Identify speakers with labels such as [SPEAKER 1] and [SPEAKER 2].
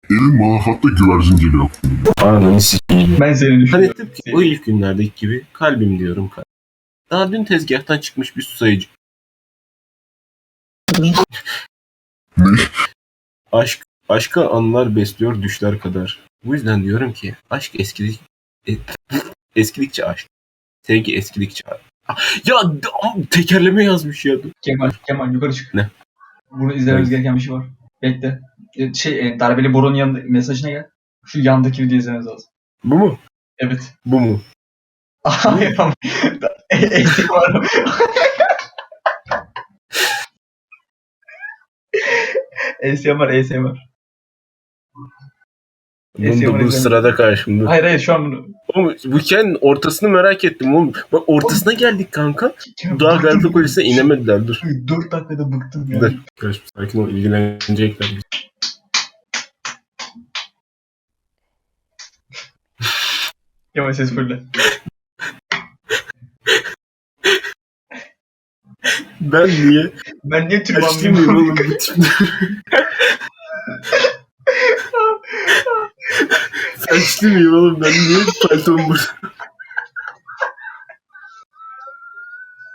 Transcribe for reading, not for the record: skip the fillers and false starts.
[SPEAKER 1] Elma hatta güvercin geliyor.
[SPEAKER 2] Ananı sikeyim.
[SPEAKER 3] Ben seni
[SPEAKER 2] Hani
[SPEAKER 3] düşünüyorum.
[SPEAKER 2] tıpkı o ilk günlerdeki gibi kalbim diyorum kalbim. Daha dün tezgahtan çıkmış bir susayıcı.
[SPEAKER 1] Ne?
[SPEAKER 2] Aşka anılar besliyor düşler kadar. Bu yüzden diyorum ki aşk eskidikçe aşk. Sevgi eskidikçe aşk. Ya tekerleme yazmış ya.
[SPEAKER 3] Kemal yukarı çık.
[SPEAKER 2] Ne?
[SPEAKER 3] Bunu izlememiz
[SPEAKER 2] Evet.
[SPEAKER 3] gereken bir şey var. Bekle. Darbeli Boru'nun yanında mesajına gel. Şu yandaki videoyu izlememiz lazım.
[SPEAKER 2] Bu mu?
[SPEAKER 3] Evet.
[SPEAKER 2] Bu mu?
[SPEAKER 3] Hayır ama. Eski var. ASMR.
[SPEAKER 2] Bu sırada karşımda.
[SPEAKER 3] Hayır şu an bunu.
[SPEAKER 2] Oğlum, bu hikayenin ortasını merak ettim oğlum. Bak ortasına geldik kanka. Daha
[SPEAKER 3] Bıktım.
[SPEAKER 2] Galata Kulesi'ne inemediler dur.
[SPEAKER 3] 4 dakikada bıktım ya.
[SPEAKER 2] Dur. Kardeşim sakin ol ilgilenecekler.
[SPEAKER 3] Kemal ses fırla.
[SPEAKER 2] Ben niye?
[SPEAKER 3] Ben niye
[SPEAKER 2] Açtım
[SPEAKER 3] türbanlıyım?
[SPEAKER 2] oğlum bu tipte. Saçlı mıyım oğlum ben niye paltom burada?